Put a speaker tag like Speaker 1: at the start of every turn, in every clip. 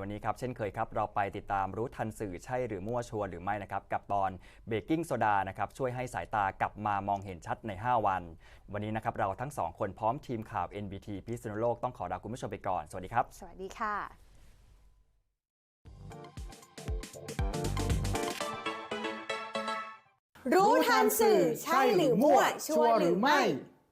Speaker 1: นี้ครับเช่นเคยครับเราไปติดตามรู้ทันสื่อใช่หรือมั่วชัวร์หรือไม่นะครับกับตอนเบกกิ้งโซดานะครับช่วยให้สายตากลับมามองเห็นชัดใน5วันวันนี้นะครับเราทั้ง2คนพร้อมทีมข่าว NBT พิษณุโลกต้องขอลาคุณผู้ชมไปก่อนสวัสดีครับ
Speaker 2: สวัสดีค่ะรู้ทันสื่อใช่หรือมั่วชัวร์หรือไม่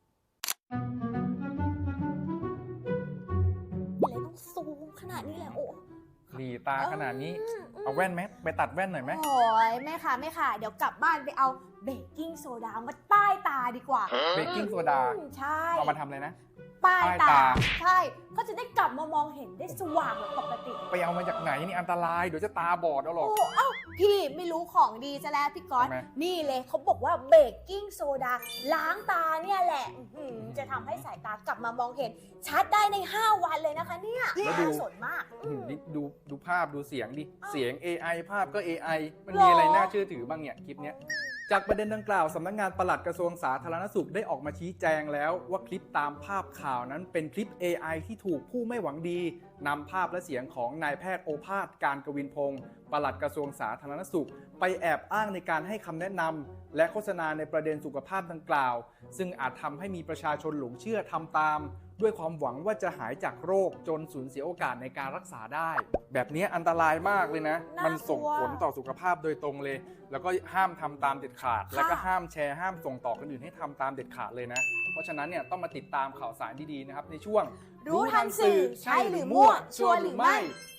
Speaker 2: อะไรต้องซูมขนาดนี้แหละโอ้
Speaker 3: หลีตาขนาดนี้เอาแว่นไหมไปตัดแว่นหน่อยไหม
Speaker 2: โอ้ยแม่ค่ะเดี๋ยวกลับบ้านไปเอาเบกกิ้งโซดามาป้ายตาดีกว่า
Speaker 3: เบกกิ้งโซดา
Speaker 2: ใช่
Speaker 3: เอามาทำอะไรนะ
Speaker 2: ป้ายตาใช่ก็จะได้กลับมามองเห็นได้สว่างเหมือนปกติ
Speaker 3: ไปเอามาจากไหนนี่อันตรายเดี๋ยวจะตาบอดเอาหรอก
Speaker 2: เอ้าพี่ไม่รู้ของดีซะแล้วพี่ก๊อตนี่เลยเขาบอกว่าเบกกิ้งโซดาล้างตาเนี่ยแหละจะทำให้สายตากลับมามองเห็นชัดได้ใน5วันเลยนะคะเนี่ยน่าสนมาก
Speaker 3: ดูภาพดูเสียงดิเสียง AI ภาพก็ AI มันมีอะไรน่าเชื่อถือบ้างเนี่ยคลิปเนี้ยจากประเด็นดังกล่าวสำนักงานปลัดกระทรวงสาธารณสุขได้ออกมาชี้แจงแล้วว่าคลิปตามภาพข่าวนั้นเป็นคลิป AI ที่ถูกผู้ไม่หวังดีนำภาพและเสียงของนายแพทย์โอภาสการกวินพงศ์ปลัดกระทรวงสาธารณสุขไปแอบอ้างในการให้คำแนะนำและโฆษณาในประเด็นสุขภาพดังกล่าวซึ่งอาจทำให้มีประชาชนหลงเชื่อทำตามด้วยความหวังว่าจะหายจากโรคจนสูญเสียโอกาสในการรักษาได้แบบนี้อันตรายมากเลยนะมันส่งผลต่อสุขภาพโดยตรงเลยแล้วก็ห้ามทำตามเด็ดขาดแล้วก็ห้ามแชร์ห้ามส่งต่อคนอื่นให้ทำตามเด็ดขาดเลยนะเพราะฉะนั้นเนี่ยต้องมาติดตามข่าวสารดีๆนะครับในช่วง
Speaker 2: รู้ทันสื่อใช่หรือมั่วชัวร์หรือไม่